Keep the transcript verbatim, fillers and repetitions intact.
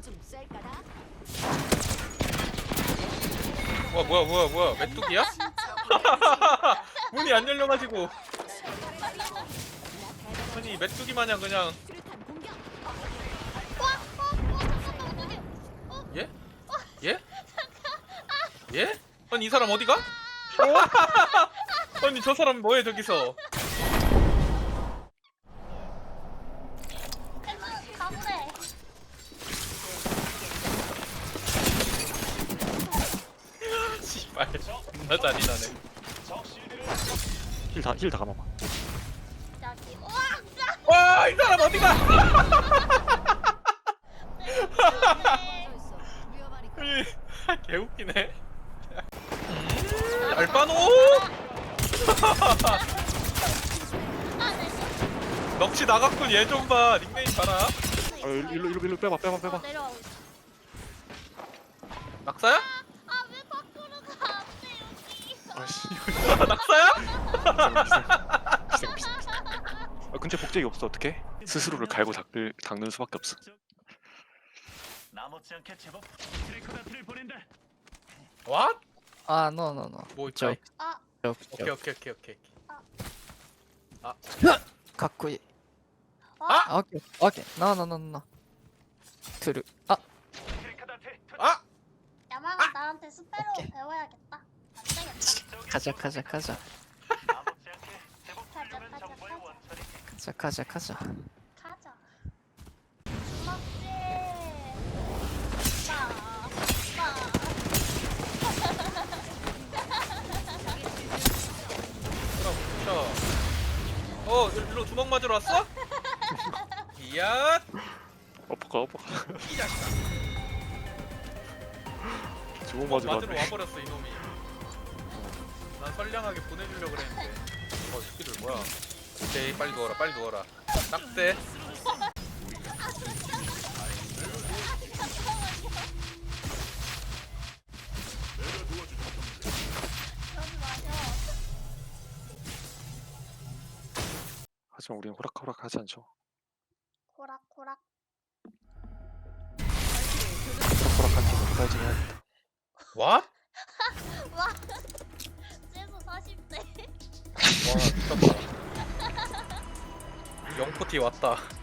좀 쌀까나? 와 뭐야 뭐야 뭐야 메뚜기야? 문이 안 열려가지고 아니 메뚜기 마냥 그냥 수류탄 공격. 예? 예? 예? 아니 이 사람 어디가? 어? 아니 저 사람 뭐해 저기서 가보래. 씨발 존나 잔인하네 힐 다 힐 다 감아봐. 여기. 우와. 와 이 사람 어디가? 있어. 위험하니. 아니 개웃기네 음, 알바노 넋이 나갔군 얘 좀봐 닉네임 봐라 아, 일로 일로 일로 일로 빼봐 빼봐 빼봐. 내려오고 있어. 낙사야? 아, 왜 밖으로 가? 안 돼, 여기. 아씨. 낙사야? 기생 기생 기생. 아 근처에 복제기 없어 어떡해? 스스로를 갈고 닦을 닦는 수밖에 없어. 나머지 않게 제법 트리코다트를 보낸다. 왓? 아, no, no, no. 뭐 있다 저기. 아, 저기, 오케이 오케이 오케이 오케이 かっこいい。 아! あ、オッケー、オッケー。No, no, no, no. トゥル。あ、 트리코다트 아! 야마가 나한테 스페로 배워야겠다. 안 되겠다. カジャカジャカジャ。 나머지 않게 제법 훌륭한 가자, 정보의 가자. 원천이 カジャカジャカジャ。 가자. 주먹질. 빠, 그럼 어 일로 주먹 맞으러 왔어? 이야 엎어가 엎어가. 이 자식아 주먹 주먹 맞으러 맞으러 왔네. 와버렸어 이놈이 난 선량하게 보내주려고 그랬는데 어 새끼들 뭐야 오케이 빨리 누워라 빨리 누워라 딱대 그러지 마요. 하지만 우리는 호락호락 하지 않죠. 고락고락. 호락호락한 팀은 호달지 해야겠다. 와? 와. 최소 사십 대. 와 미쳤다 영포티 왔다